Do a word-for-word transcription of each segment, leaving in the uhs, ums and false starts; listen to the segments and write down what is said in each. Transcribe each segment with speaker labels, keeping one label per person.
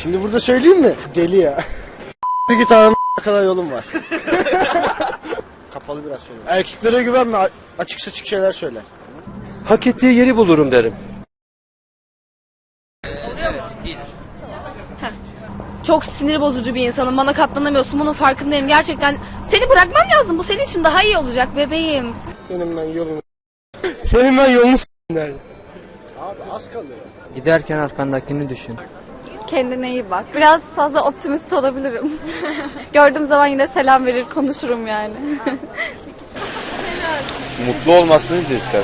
Speaker 1: Şimdi burada söyleyeyim mi? Deli ya. Bir git anam kadar yolum var. Kapalı biraz söyle. Erkeklere güvenme, açık saçık şeyler söyle.
Speaker 2: Hak ettiği yeri bulurum derim.
Speaker 3: Çok sinir bozucu bir insanım. Bana katlanamıyorsun. Bunun farkındayım. Gerçekten seni bırakmam lazım. Bu senin için daha iyi olacak bebeğim.
Speaker 1: Senin ben yolum.
Speaker 2: Senin ben yolunu s***lerdim.
Speaker 1: Abi az kalıyor.
Speaker 4: Giderken arkandakini düşün.
Speaker 5: Kendine iyi bak. Biraz fazla optimist olabilirim. Gördüğüm zaman yine selam verir, konuşurum yani.
Speaker 2: Mutlu olmasını ister.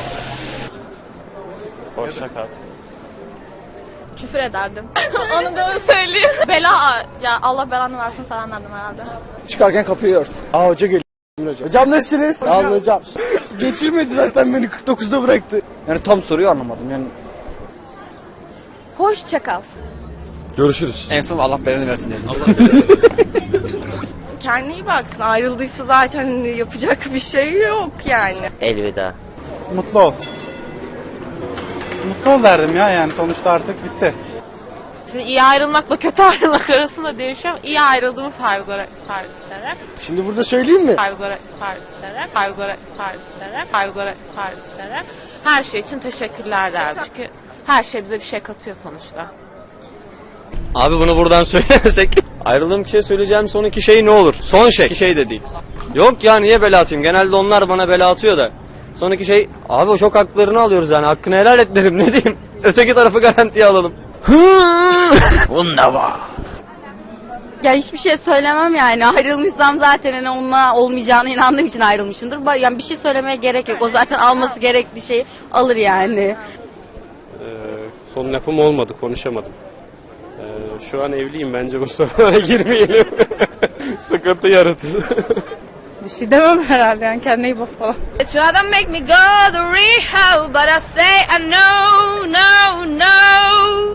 Speaker 2: Hoşça kal.
Speaker 5: Küfür ederdim. Onu da söyleyeyim. Bela, ya Allah belanı versin falan derdim herhalde.
Speaker 4: Çıkarken kapıyı ört.
Speaker 1: Aa hoca geliyor. Hocam, hocam nasılsınız? Sağ olun hocam. Geçirmedi zaten beni kırk dokuzda bıraktı.
Speaker 4: Yani tam soruyu anlamadım yani.
Speaker 5: Hoşça kal.
Speaker 2: Görüşürüz.
Speaker 4: En son Allah belanı versin dedim.
Speaker 6: Kendine iyi baksın. Ayrıldıysa zaten yapacak bir şey yok yani.
Speaker 7: Elveda.
Speaker 8: Mutlu ol. Mutlu ol derdim ya, yani sonuçta artık bitti.
Speaker 9: Şimdi iyi ayrılmakla kötü ayrılmak arasında değişiyor. İyi ayrıldığımı farz olarak farz ederek,
Speaker 1: Şimdi burada söyleyeyim mi?
Speaker 9: farz olarak farz ederek, farz olarak farz ederek, farz olarak farz ederek her şey için teşekkürler derdim. Çünkü her şey bize bir şey katıyor sonuçta.
Speaker 2: Abi bunu buradan söylemesek. Ayrıldığım kişiye söyleyeceğim son iki şey ne olur? Son şey. İki şey de değil. Yok ya, niye bela atayım? Genelde onlar bana bela atıyor da. Son iki şey. Abi o çok haklarını alıyoruz yani. Hakkını helal et derim, ne diyeyim. Öteki tarafı garantiye alalım. Bunda var.
Speaker 3: Ya hiçbir şey söylemem yani. Ayrılmışsam zaten hani onunla olmayacağına inandığım için ayrılmışımdır. Yani bir şey söylemeye gerek yok. O zaten alması gerektiği şeyi alır yani.
Speaker 10: Ee, son lafım olmadı, konuşamadım. Ee, şu an evliyim, bence bu sorulara girmeyelim. Sıkıntı yaratır.
Speaker 5: Bir şey demem herhalde yani, kendine iyi bak falan.
Speaker 3: They try to make me go to rehab, but I say I know, no, no.